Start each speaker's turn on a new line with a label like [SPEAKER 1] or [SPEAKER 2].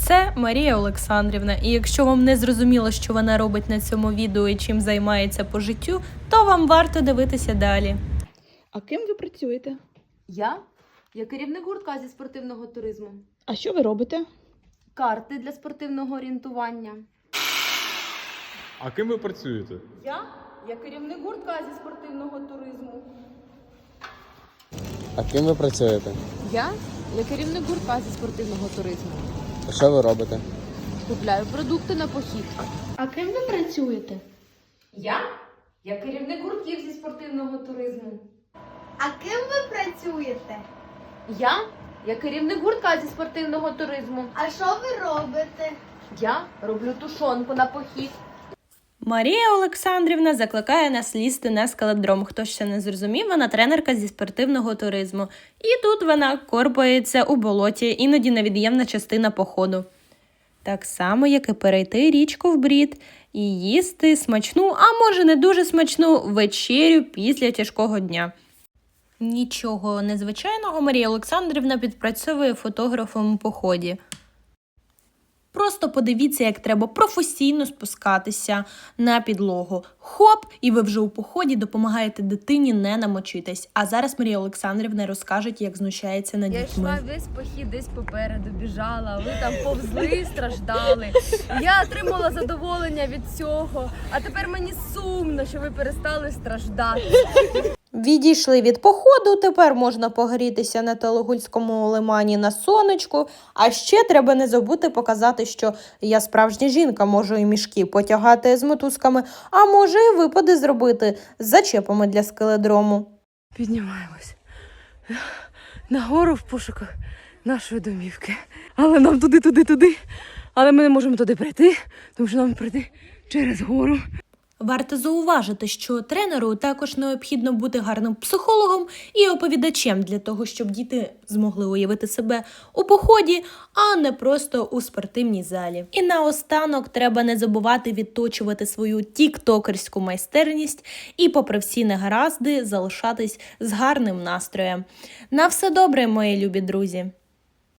[SPEAKER 1] Це Марія Олександрівна, і якщо вам не зрозуміло, що вона робить на цьому відео і чим займається по життю, то вам варто дивитися далі.
[SPEAKER 2] А ким ви працюєте?
[SPEAKER 3] Я керівник гуртка зі спортивного туризму.
[SPEAKER 2] А що ви робите?
[SPEAKER 3] Карти для спортивного орієнтування.
[SPEAKER 4] А ким ви працюєте?
[SPEAKER 3] Я керівник гуртка зі спортивного туризму.
[SPEAKER 5] А ким ви працюєте?
[SPEAKER 3] Я керівник гуртка зі спортивного туризму.
[SPEAKER 5] А що ви робите?
[SPEAKER 3] Купляю продукти на похід.
[SPEAKER 6] А ким ви працюєте?
[SPEAKER 3] Я керівник гуртків зі спортивного туризму.
[SPEAKER 6] А ким ви працюєте?
[SPEAKER 3] Я керівник гуртка зі спортивного туризму.
[SPEAKER 6] А що ви робите?
[SPEAKER 3] Я роблю тушонку на похід.
[SPEAKER 1] Марія Олександрівна закликає нас лізти на скалодром. Хто ще не зрозумів, вона тренерка зі спортивного туризму. І тут вона корпається у болоті, іноді невід'ємна частина походу. Так само, як і перейти річку в брід і їсти смачну, а може не дуже смачну вечерю після тяжкого дня. Нічого незвичайного Марія Олександрівна підпрацьовує фотографом у поході. Просто подивіться, як треба професійно спускатися на підлогу. Хоп! І ви вже у поході допомагаєте дитині не намочитись. А зараз Марія Олександрівна розкаже, як знущається над
[SPEAKER 3] Я
[SPEAKER 1] дітьми.
[SPEAKER 3] йшла весь похід десь попереду, біжала, ви там повзли, страждали. Я отримала задоволення від цього, а тепер мені сумно, що ви перестали страждати.
[SPEAKER 1] Відійшли від походу, тепер можна погрітися на Талогульському лимані на сонечку. А ще треба не забути показати, що я справжня жінка, можу і мішки потягати з мотузками, а може і випади зробити з зачепами для скеледрому.
[SPEAKER 3] Піднімаємось нагору в пошуках нашої домівки. Але нам туди. Але ми не можемо туди прийти, тому що нам прийти через гору.
[SPEAKER 1] Варто зауважити, що тренеру також необхідно бути гарним психологом і оповідачем для того, щоб діти змогли уявити себе у поході, а не просто у спортивній залі. І наостанок треба не забувати відточувати свою тіктокерську майстерність і, попри всі негаразди, залишатись з гарним настроєм. На все добре, мої любі друзі!